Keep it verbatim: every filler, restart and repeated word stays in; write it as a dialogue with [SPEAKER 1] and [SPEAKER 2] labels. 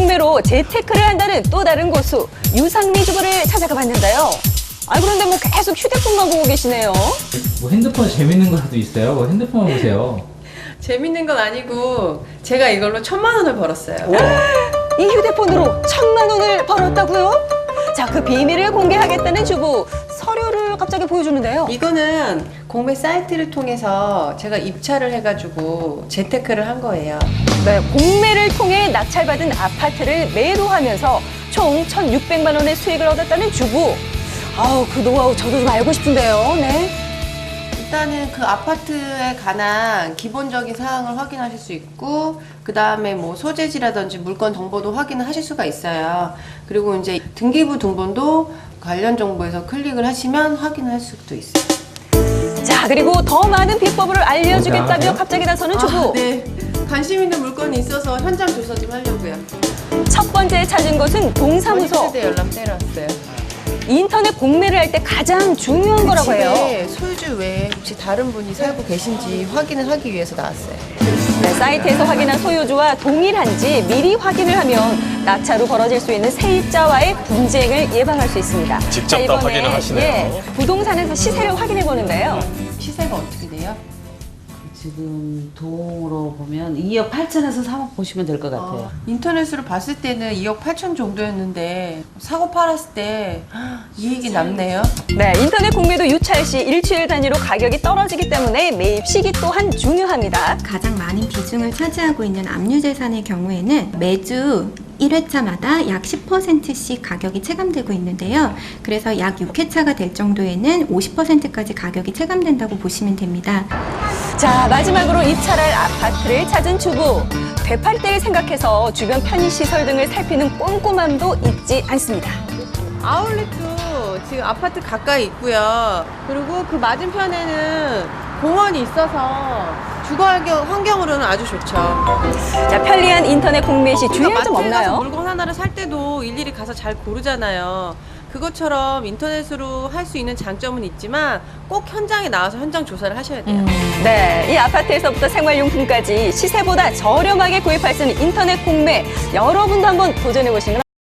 [SPEAKER 1] 공매로 재테크를 한다는 또 다른 고수 유상미 주부를 찾아가 봤는데요. 아 그런데 뭐 계속 휴대폰만 보고 계시네요.
[SPEAKER 2] 뭐 핸드폰 재밌는 거라도 있어요? 뭐 핸드폰 보세요.
[SPEAKER 3] 재밌는 건 아니고 제가 이걸로 천만 원을 벌었어요.
[SPEAKER 1] 이 휴대폰으로 천만 원을 벌었다고요? 자, 그 비밀을 공개하겠다는 주부 서류를 갑자기 보여주는데요.
[SPEAKER 3] 이거는 공매 사이트를 통해서 제가 입찰을 해가지고 재테크를 한 거예요.
[SPEAKER 1] 네, 공매를 통해 낙찰받은 아파트를 매도하면서 총 천육백만 원의 수익을 얻었다는 주부. 아우, 그 노하우 저도 좀 알고 싶은데요. 네.
[SPEAKER 3] 일단은 그 아파트에 관한 기본적인 사항을 확인하실 수 있고, 그 다음에 뭐 소재지라든지 물건 정보도 확인을 하실 수가 있어요. 그리고 이제 등기부 등본도 관련 정보에서 클릭을 하시면 확인할 수도 있어요.
[SPEAKER 1] 자, 그리고 더 많은 비법을 알려주겠다며
[SPEAKER 2] 알아요?
[SPEAKER 1] 갑자기 나서는 주부.
[SPEAKER 3] 아, 네. 관심 있는 물건이 있어서 현장 조사 좀 하려고요.
[SPEAKER 1] 첫 번째 찾은 곳은 동사무소.
[SPEAKER 3] 세대 연락대로 왔어요.
[SPEAKER 1] 인터넷 공매를 할 때 가장 중요한 거라고 해요.
[SPEAKER 3] 집에 소유주 외에 혹시 다른 분이 살고 계신지 확인을 하기 위해서 나왔어요.
[SPEAKER 1] 네, 사이트에서 확인한 소유주와 동일한지 미리 확인을 하면 낙찰 후 벌어질 수 있는 세입자와의 분쟁을 예방할 수 있습니다.
[SPEAKER 4] 직접
[SPEAKER 1] 자,
[SPEAKER 4] 다
[SPEAKER 1] 이번에,
[SPEAKER 4] 확인을 하시네요.
[SPEAKER 1] 예, 부동산에서 시세를 확인해 보는데요.
[SPEAKER 3] 시세가 어떻게 돼요?
[SPEAKER 5] 지금 동으로 보면 이억 팔천에서 삼억 보시면 될 것 같아요.
[SPEAKER 3] 어, 인터넷으로 봤을 때는 이억 팔천 정도였는데 사고 팔았을 때 이익이 남네요.
[SPEAKER 1] 네, 인터넷 공매도 유찰 시 일주일 단위로 가격이 떨어지기 때문에 매입 시기 또한 중요합니다.
[SPEAKER 6] 가장 많은 비중을 차지하고 있는 압류재산의 경우에는 매주 일 회차마다 약 십 퍼센트씩 가격이 체감되고 있는데요. 그래서 약 육 회차가 될 정도에는 오십 퍼센트까지 가격이 체감된다고 보시면 됩니다.
[SPEAKER 1] 자, 마지막으로 입찰할 아파트를 찾은 주부. 되팔 때를 생각해서 주변 편의시설 등을 살피는 꼼꼼함도 잊지 않습니다.
[SPEAKER 3] 아울렛도 지금 아파트 가까이 있고요. 그리고 그 맞은편에는 공원이 있어서 주거 환경, 환경으로는 아주 좋죠.
[SPEAKER 1] 자, 편리한 인터넷 공매 시 주의할 점
[SPEAKER 3] 마트에 가서
[SPEAKER 1] 없나요?
[SPEAKER 3] 물건 하나를 살 때도 일일이 가서 잘 고르잖아요. 그것처럼 인터넷으로 할 수 있는 장점은 있지만 꼭 현장에 나와서 현장 조사를 하셔야 돼요.
[SPEAKER 1] 네, 이 아파트에서부터 생활용품까지 시세보다 저렴하게 구입할 수 있는 인터넷 공매. 여러분도 한번 도전해 보시는 건